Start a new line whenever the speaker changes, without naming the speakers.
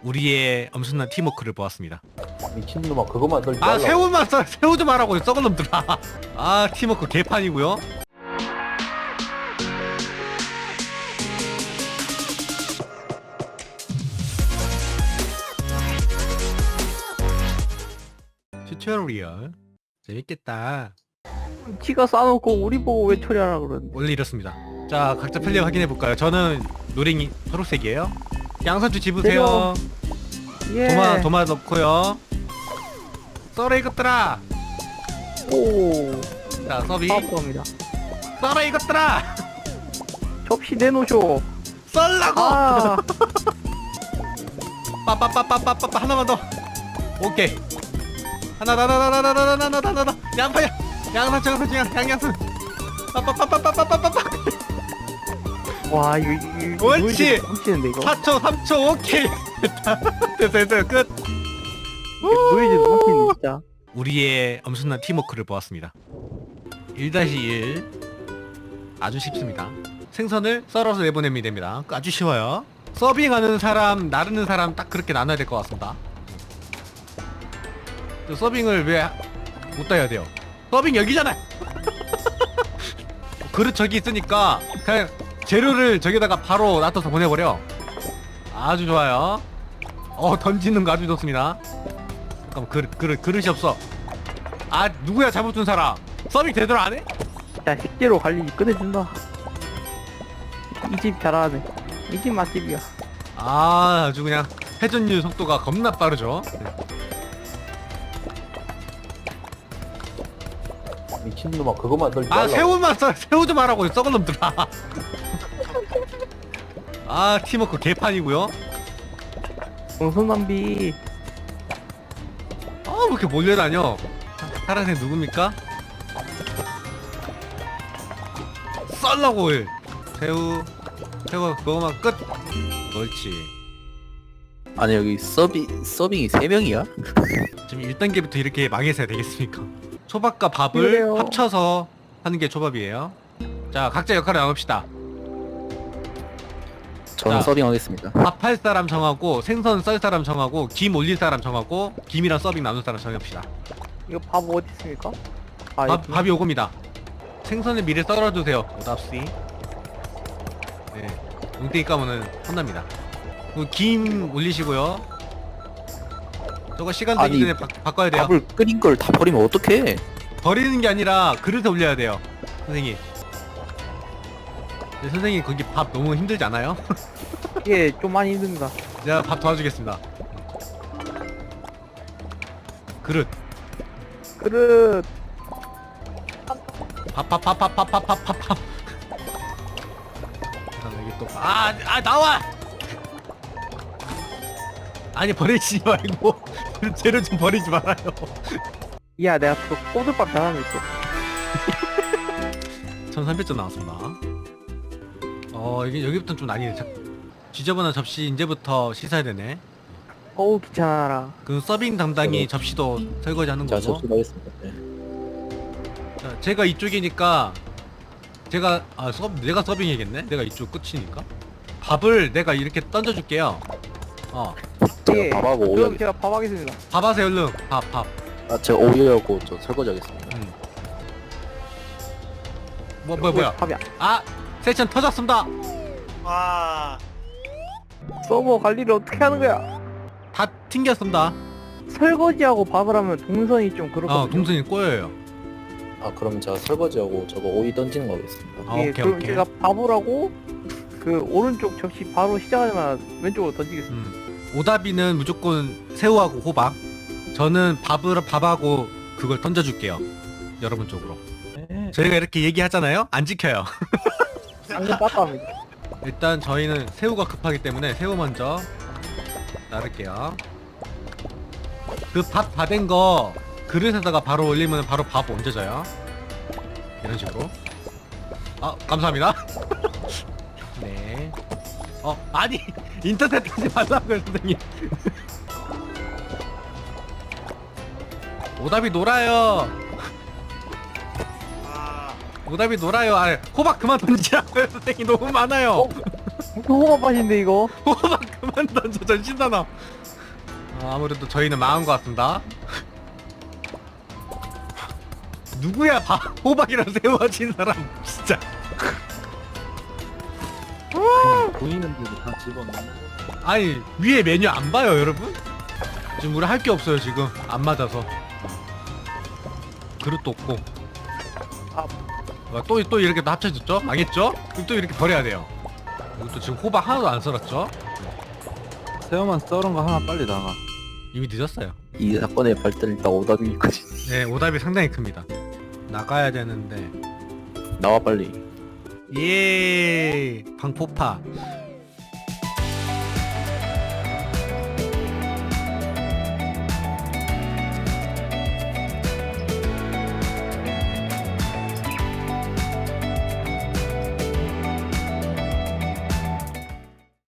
우리의 엄청난 팀워크를 보았습니다.
미친놈아 그것만 널
아 새우만 써 새우 좀 하라고 썩은 놈들아. 아 팀워크 개판이고요. 튜토리얼 재밌겠다.
티가 싸놓고 우리 보고 왜 처리하라 그러는데.
원래 이렇습니다. 자 각자 플레이 확인해 볼까요? 저는 노랭이 초록색이에요. 양선주 집으세요.
예.
도마 넣고요. 썰어 이것들아.
오.
자 서비.
사업합니다.
썰어 이것들아.
접시 내놓으쇼.
썰라고.
아.
빠빠빠빠빠빠 하나만 더. 오케이. 하나 양파야. 양상추 양양순. 빠빠빠빠빠빠빠빠.
와 이거
옳지.
훔치는데 이거.
4초 3초 오케이. 됐어 끝.
노이즈도 훔치는데 진짜.
우리의 엄청난 팀워크를 보았습니다. 1-1 아주 쉽습니다. 생선을 썰어서 내보내면 됩니다. 아주 쉬워요. 서빙하는 사람, 나르는 사람 딱 그렇게 나눠야 될 것 같습니다. 저 서빙을 왜 못 따야 돼요? 서빙 여기잖아요. 그릇 저기 있으니까 그냥 재료를 저기다가 바로 놔둬서 보내버려. 아주 좋아요. 던지는 거 아주 좋습니다. 잠깐만 그릇이 없어. 아 누구야 잘못준 사람. 서빙 제대로 안 해?
자 식재료 관리 끝내준다. 이 집 잘하네. 이 집 맛집이야.
아 아주 그냥 회전율 속도가 겁나 빠르죠.
미친놈아 그것만 널
아 새우만 써 새우 좀 하라고 썩은 놈들아. 아 팀워크 개판이고요.
정선 낭비.
왜 이렇게 몰려다녀. 파란색 누굽니까? 썰라고 새우 그거만 끝. 옳지.
아니 여기 서빙이 3명이야?
지금 1단계부터 이렇게 망해서야 되겠습니까? 초밥과 밥을
그래요.
합쳐서 하는 게 초밥이에요. 자 각자 역할을 나눕시다.
저는
자.
서빙하겠습니다.
밥 할 사람 정하고 생선 썰 사람 정하고 김 올릴 사람 정하고 김이랑 서빙 나눌 사람 정합시다.
이거 밥 어디 있습니까? 아 여기.
밥이 요겁니다. 생선을 미리 썰어주세요. 오답시. 네. 웅땡이 까면은 혼납니다. 그리고 김 올리시고요. 저거 시간 되기
아니,
전에 바꿔야 돼요.
밥을 끓인 걸 다 버리면 어떡해?
버리는 게 아니라 그릇에 올려야 돼요. 선생님. 네, 선생님 거기 밥 너무 힘들지 않아요?
예, 좀 많이 힘듭니다.
제가 밥 도와주겠습니다. 그릇.
그릇.
밥. 여기 또 나와. 아니 버리지 말고 재료 좀 버리지 말아요.
야, 내가 또 꼬들밥 잘하는 거 있어.
1300점 나왔습니다. 이게 여기부터는 좀 난이네. 지저분한 접시 이제부터 씻어야 되네.
어우 귀찮아라.
그 서빙 담당이 접시도 설거지 하는
자
거고.
접수하겠습니다. 네.
자, 제가 이쪽이니까 내가 서빙해야겠네. 내가 이쪽 끝이니까. 밥을 내가 이렇게 던져줄게요.
예.
밥하고
그럼
오이
제가 밥 하겠습니다.
밥 하세요 얼른. 밥.
제가 오이하고 저 설거지하겠습니다.
뭐야.
밥이
세션 터졌습니다.
서버 관리를 어떻게 하는 거야?
다 튕겼습니다.
설거지하고 밥을 하면 동선이 좀 그렇거든요.
동선이 꼬여요.
그럼 제가 설거지하고 저거 오이 던지는 거 하겠습니다.
예,
오케이.
그럼 제가 밥을 하고 그 오른쪽 접시 바로 시작하자마자 왼쪽으로 던지겠습니다.
오다비는 무조건 새우하고 호박. 저는 밥하고 그걸 던져줄게요. 여러분 쪽으로.
네.
저희가 이렇게 얘기하잖아요. 안 지켜요.
상금 빡빡합니다.
일단 저희는 새우가 급하기 때문에 새우 먼저 나를게요. 그 밥 다 된 거 그릇에다가 바로 올리면 바로 밥 얹어져요. 이런 식으로. 감사합니다. 네. 아니 인터넷 하지 말라고요 선생님. 오답이 놀아요. 오답이 놀아요. 호박 그만 던지라고요 선생님. 너무 많아요.
호박 맛인데 이거.
호박 그만 그만 던져 전신단어. 아무래도 저희는 망한 것 같습니다. 누구야 호박이랑 세워진 사람 진짜.
보이는데도 다 집어넣는 거.
아니 위에 메뉴 안 봐요 여러분? 지금 우리 할 게 없어요 지금 안 맞아서. 그릇도 없고. 또 이렇게 또 합쳐졌죠? 망했죠? 그럼 또 이렇게 버려야 돼요. 이것도 지금 호박 하나도 안 썰었죠?
새우만 썰은 거 하나 빨리 나가.
이미 늦었어요.
이 사건의 발단이 딱 오답이 있거든.
네 오답이 상당히 큽니다. 나가야 되는데.
나와 빨리.
예 방포파